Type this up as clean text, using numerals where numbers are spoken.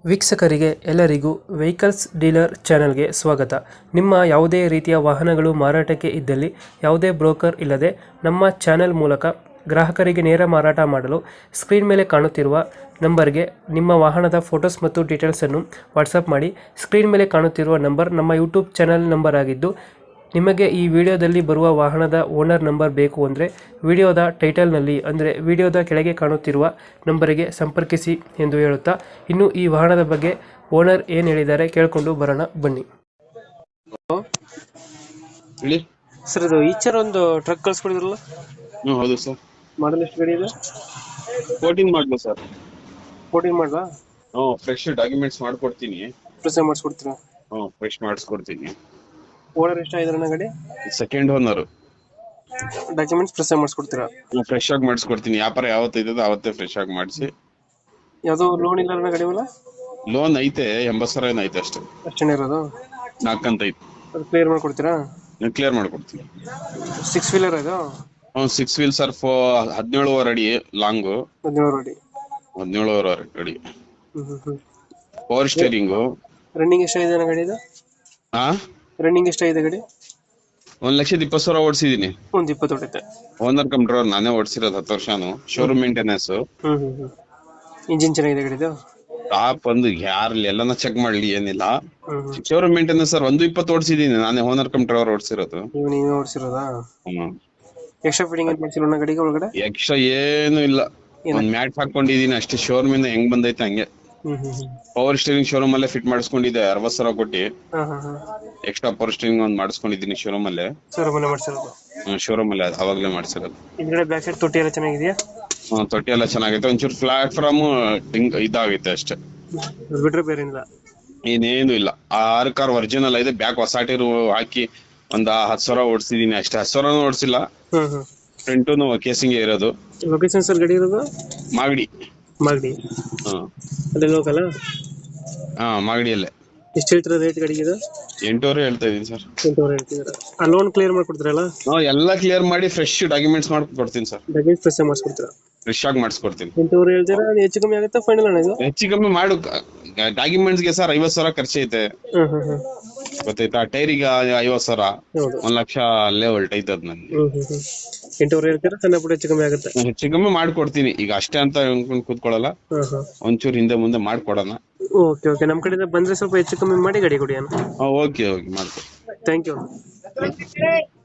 ವೀಕ್ಷಕರಿಗೆ ಎಲ್ಲರಿಗೂ vehicles dealer ಚಾನೆಲ್ಗೆ ಸ್ವಾಗತ. ನಿಮ್ಮ ಯಾವುದೇ ರೀತಿಯ ವಾಹನಗಳು ಮಾರಾಟಕ್ಕೆ ಇದ್ದಲ್ಲಿ ಯಾವುದೇ ಬ್ರೋಕರ್ ಇಲ್ಲದೆ ನಮ್ಮ ಚಾನೆಲ್ ಮೂಲಕ ಗ್ರಾಹಕರಿಗೆ ನೇರ ಮಾರಾಟ ಮಾಡಲು ಸ್ಕ್ರೀನ್ ಮೇಲೆ ಕಾಣುತ್ತಿರುವ ನಂಬರ್ಗೆ ನಿಮ್ಮ ವಾಹನದ ಫೋಟೋಸ್ ಮತ್ತು ಡೀಟೇಲ್ಸನ್ನು ವಾಟ್ಸಪ್ ಮಾಡಿ. ಸ್ಕ್ರೀನ್ ಮೇಲೆ ಕಾಣುತ್ತಿರುವ ನಂಬರ್ ನಮ್ಮ ಯೂಟ್ಯೂಬ್ ಚಾನೆಲ್ ನಂಬರ್ ಆಗಿದ್ದು, ನಿಮಗೆ ಈ ವಿಡಿಯೋದಲ್ಲಿ ಬರುವ ವಾಹನದ ಓನರ್ ನಂಬರ್ ಬೇಕು ಅಂದರೆ ವಿಡಿಯೋದ ಟೈಟಲ್ನಲ್ಲಿ ಅಂದರೆ ವಿಡಿಯೋದ ಕೆಳಗೆ ಕಾಣುತ್ತಿರುವ ನಂಬರಿಗೆ ಸಂಪರ್ಕಿಸಿ ಎಂದು ಹೇಳುತ್ತಾ, ಇನ್ನು ಈ ವಾಹನದ ಬಗ್ಗೆ ಓನರ್ ಏನು ಹೇಳಿದ್ದಾರೆ ಕೇಳಿಕೊಂಡು ಬರೋಣ ಬನ್ನಿ. ಹೇಳಿ ಸರ್, ಇದು ಈಚರ್ ಒಂದು ಟ್ರಕ್ ಕಳ್ಸ್ಕೊಡಿದ್ರಲ್ಲ, ಹೌದು ಸರ್. ಮಾಡಲ್ ಎಷ್ಟು ಗಾಡಿ ಇದೆ? 14 ಮಾಡಲು ಸರ್. 14 ಮಾಡಲಾ? ಫ್ರೆಶ್ ಡಾಕ್ಯುಮೆಂಟ್ಸ್ ಮಾಡ್ಕೊಡ್ತೀನಿ. ಪ್ರೆಸ್ ಮಾಡಿಸ್ಕೊಡ್ತೀರಾ? ಫ್ರೆಶ್ ಮಾಡಿಸ್ಕೊಡ್ತೀನಿ. ಓನರ್ ಎಷ್ಟಾಗಿದ್ರೆ ಗಾಡಿ? Second owner. ಡಾಕ್ಯುಮೆಂಟ್ಸ್ ಪ್ರೆಸ್ ಮಾಡಿಸ್ಕೊಡ್ತೀರಾ? ಫ್ರೆಶ್ ಆಗಿ ಮಾಡಿಸ್ಕೊಡ್ತೀನಿ. ವ್ಯಾಪಾರ ಯಾವತ್ತು ಇದ್ದದ ಅವತ್ತೇ ಫ್ರೆಶ್ ಆಗಿ ಮಾಡಿಸಿ. ಯಾವುದೋ ಲೋನ್ ಇಲ್ಲ ಗಾಡಿ ಮೇಲೆ? ಲೋನ್ ಐತೆ, 80,000 ಏನೋ ಐತೆ ಅಷ್ಟೇ. ಅಷ್ಟೇನೇ ಇರೋದು? 4 ಅಂತ ಐತೆ. ಅದು ಕ್ಲಿಯರ್ ಮಾಡ್ಕೊಡ್ತೀರಾ? ಕ್ಲಿಯರ್ ಮಾಡ್ಕೊಡ್ತೀನಿ. 6 ವೀಲರ್ ಇದು? 6 ವೀಲ್ ಸರ್. 17 ಅಡಿ ಲಾಂಗು. 17 ಅಡಿ. 17 ಅಡಿ. Power steering. ರನ್ನಿಂಗ್ ಎಷ್ಟಾಗಿದೆ ಗಾಡಿ ಇದು? ರನ್ನಿಂಗ್ ಎಷ್ಟಾಗಿದೆ ಗಾಡಿ? 1,20,000 ಓಡಿಸಿದೀನಿ. ಒಂದು 20 ಹೊಡೆಯುತ್ತೆ. ಓನರ್ ಕಮ್ ಡ್ರೈವರ್ ನಾನೇ ಓಡಿಸಿರೋದು 10 ವರ್ಷನು. Showroom maintenance. ಇಂಜಿನ್ ಚೆನ್ನಾಗಿದೆ ಗಾಡಿದು? ಟಾಪ್ ಒಂದು ಎಲ್ಲಾನ ಚೆಕ್ ಮಾಡ್ಲಿ, ಏನಿಲ್ಲ. Showroom maintenance sir. 120 ಓಡಿಸಿದೀನಿ ನಾನೇ, ಓನರ್ ಕಮ್ ಡ್ರೈವರ್ ಓಡಿಸಿರೋದು. ನೀವೇ ಓಡಿಸಿರೋದಾ? ಎಕ್ಸ್ಟ್ರಾ ಫಿಟ್ಟಿಂಗ್ ಏನು ಮಾಡ್ಸಿಲ್ಲ ಗಾಡಿಗೆ ಒಳಗಡೆ? ಎಕ್ಸ್ಟ್ರಾ ಏನು ಇಲ್ಲ, ಒಂದ್ ಮ್ಯಾಟ್ ಹಾಕೊಂಡಿದೀನಿ ಅಷ್ಟೇ. ಶೋರೂಮ್ ಇಂದ ಹೆಂಗ್ ಬಂದೈತೆ ಹಂಗೆ. ಪವರ್ ಸ್ಟೀರಿಂಗ್ ಶೋರೂಮ್ ಅಲ್ಲೇ ಫಿಟ್ ಮಾಡಿಸ್ಕೊಂಡಿದ್ದೆ 60,000 ಕೊಟ್ಟಿ. ಎಕ್ಸ್ಟ್ರಾ ಪವರ್ ಸ್ಟೀರಿಂಗ್ ಒಂದ್ ಮಾಡಿಸ್ಕೊಂಡಿದೀನಿ ಶೋರೂಮ್ ಅಲ್ಲೇ. ಶೋರೂಮ್ ಅಲ್ಲೇ ಅವಾಗ್ಲೇ ಮಾಡಿಸಿರೋದು. ಹಿಂದ್ಗಡೆ ಬ್ಯಾಕ್ ಸೈಡ್ ತೊಟ್ಟಿ ಎಲ್ಲ ಚೆನ್ನಾಗಿದೆಯಾ? ತೊಟ್ಟಿ ಎಲ್ಲ ಚೆನ್ನಾಗೈತೆ. ಒಂಚೂರು ಪ್ಲಾಟ್ಫಾರ್ಮ್ ಇದಾಗೈತೆ ಅಷ್ಟೇ, ಬಿಟ್ರೆ ಬೇರೆ ಇಲ್ಲ. ಇನ್ನೇನು ಇಲ್ಲ. 6 ಕಾರ್ ಒರಿಜಿನಲ್ ಇದೆ. ಬ್ಯಾಕ್ ಹೊಸ ಟೈರ್ ಹಾಕಿ ಒಂದ್ 10,000 ಓಡಿಸಿದೀನಿ ಅಷ್ಟೇ. 10,000 ಓಡಿಸಿಲ್ಲ. ಫ್ರಂಟು ಕೇಸಿಂಗ್ ಇರೋದು. ಲೊಕೇಶನ್ ಸರ್ ಗಾಡಿ ಇರೋದು? ಮಾಗಡಿ. ಅದೇ ಲೋಕಲ್? ಮಾಗಡಿಯಲ್ಲೇ. ಎಷ್ಟು ಹೇಳ್ತೀರಾ ರೇಟ್ ಗಾಡಿಗೆ ಇದು? 8,000 ಹೇಳ್ತಾ ಇದೀನಿ ಸರ್. 8,000 ಹೇಳ್ತಿದ್ದೀರಾ? ಆ ಲೋನ್ ಕ್ಲಿಯರ್ ಮಾಡ್ಕೊಡ್ತೀರಲ್ಲ? ಎಲ್ಲ ಕ್ಲಿಯರ್ ಮಾಡಿ ಫ್ರೆಶ್ ಡಾಕ್ಯುಮೆಂಟ್ಸ್ ಮಾಡ್ಕೊಡ್ತೀನಿ ಸರ್. ಡಾಕ್ಯುಮೆಂಟ್ಸ್ ಫ್ರೆಶ್ ಮಾಡಿಸ್ಕೊಡ್ತೀರಾ? ಫ್ರೆಶ್ ಆಗಿ ಮಾಡಿಸ್ಕೊಡ್ತೀನಿ. 8,000 ಹೇಳ್ತೀರಾ? ಹೆಚ್ಚು ಕಮ್ಮಿ ಆಗುತ್ತಾ ಫೈನಲ್ ಅಣ್ಣ ಇದು? ಹೆಚ್ಚು ಕಮ್ಮಿ ಮಾಡು. ಡಾಕ್ಯುಮೆಂಟ್ಸ್ಗೆ ಸರ್ 50,000 ಖರ್ಚೈತೆ, ಗೊತ್ತಾಯ್ತಾ? ಟೈರಿಗೆ 50,000, 1,00,000 ಅಲ್ಲೇ ಹೊಲ್ಟೈತದ ನನ್ಗೆ. 8,000 ಹೇಳ್ತೀರಾ? ಸಣ್ಣ ಪುಟ್ಟ ಹೆಚ್ಚು ಕಮ್ಮಿ ಆಗುತ್ತೆ? ಹೆಚ್ಚು ಕಮ್ಮಿ ಮಾಡ್ಕೊಡ್ತೀನಿ. ಈಗ ಅಷ್ಟೇ ಅಂತ ಕೂತ್ಕೊಳ್ಳಲ್ಲ, ಒಂಚೂರು ಹಿಂದೆ ಮುಂದೆ ಮಾಡ್ಕೊಡೋಣ. ಓಕೆ. ನಮ್ ಕಡೆಯಿಂದ ಬಂದ್ರೆ ಸ್ವಲ್ಪ ಹೆಚ್ಚು ಕಮ್ಮಿ ಮಾಡಿ ಗಾಡಿ ಕೊಡಿ ಅಣ್ಣ. ಓಕೆ ಮಾಡ್ಕೊಡಿ. Thank you.